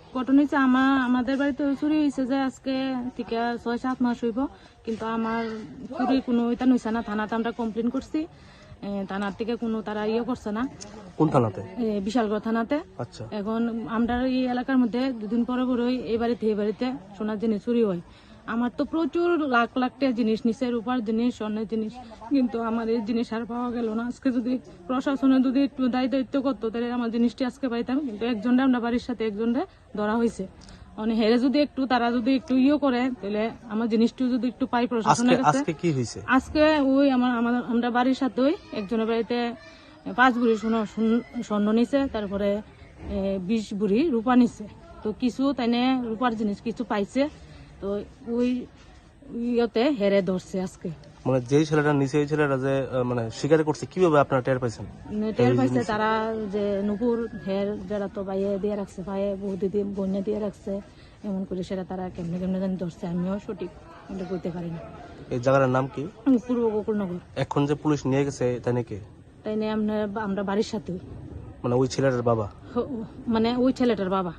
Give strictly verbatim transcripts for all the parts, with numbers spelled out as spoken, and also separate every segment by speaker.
Speaker 1: ঘটনা হয়েছে আমার আমাদের বাড়িতে চুরি হয়েছে যে আজকে থেকে ছয় সাত মাস হইব, কিন্তু আমার চুরি কোনো এটা নইছে না। থানাতে আমরা কমপ্লেন করছি, থানার থেকে কোনো তারা ইয়ে করছে না।
Speaker 2: কোন থানাতে?
Speaker 1: বিশালগড় থানাতে।
Speaker 2: আচ্ছা।
Speaker 1: এখন আমরা এই এলাকার মধ্যে দুদিন পরে পরেই এই বাড়িতে এই বাড়িতে সোনার জিনিস চুরি হয়। আমার তো প্রচুর লাখ লাখ টাকা জিনিস নিচে, রূপার জিনিস, স্বর্ণের জিনিস, কিন্তু আমার এই জিনিস আর পাওয়া গেল না। আজকে যদি প্রশাসনে যদি একটু দায়ী দায়িত্ব করতো তাহলে আমার জিনিসটি আজকে পাইতাম, কিন্তু একজনটা আমরা বাড়ির সাথে একজনটা ধরা হয়েছে। মানে হেরে যদি একটু তারা যদি একটু ইয়ে করে তাহলে আমার জিনিসটি যদি একটু পাই প্রশাসনের কাছে।
Speaker 2: আজকে কি হয়েছে?
Speaker 1: আজকে ওই আমার আমরা বাড়ির সাথে ওই একজনের বাড়িতে পাঁচ বুড়ি স্বর্ণ নিছে, তারপরে বিশ বুড়ি রূপা নিছে। তো কিছু তাইনে রূপার জিনিস কিছু পাইছে, তো ওই ইয়েতে হেরে ধরছে আজকে।
Speaker 2: মানে যে ছেলেটা নিচে ওই ছেলেটা যে মানে স্বীকার করছে, কিভাবে আপনারা টের পাইছেন?
Speaker 1: টের পাইছে তারা যে নুপুর হের যারা তো বাইয়ে দিয়ে রাখছে, ভাইয়ে বহু দিদি বন্যা দিয়ে রাখছে, এমন করে সেটা তারা কেমনে কেমনে জানি ধরছে, আমিও সঠিক বলতে পারি না।
Speaker 2: এই জায়গাটার নাম কি?
Speaker 1: পূর্ব গোকুলনগর।
Speaker 2: এখন যে পুলিশ নিয়ে গেছে তাই নাকি?
Speaker 1: তাই নিয়ে আমরা আমরা বাড়ির সাথে,
Speaker 2: মানে ওই ছেলেটার বাবা,
Speaker 1: মানে ওই ছেলেটার বাবা।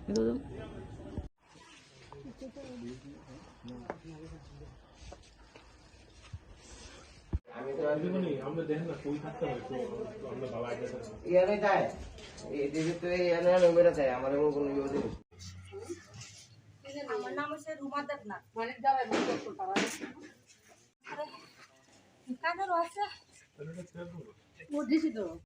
Speaker 3: আমার নাম হচ্ছে রুমা দেবনাথ। মানে যারা কাদের আছে ও দিছি তো।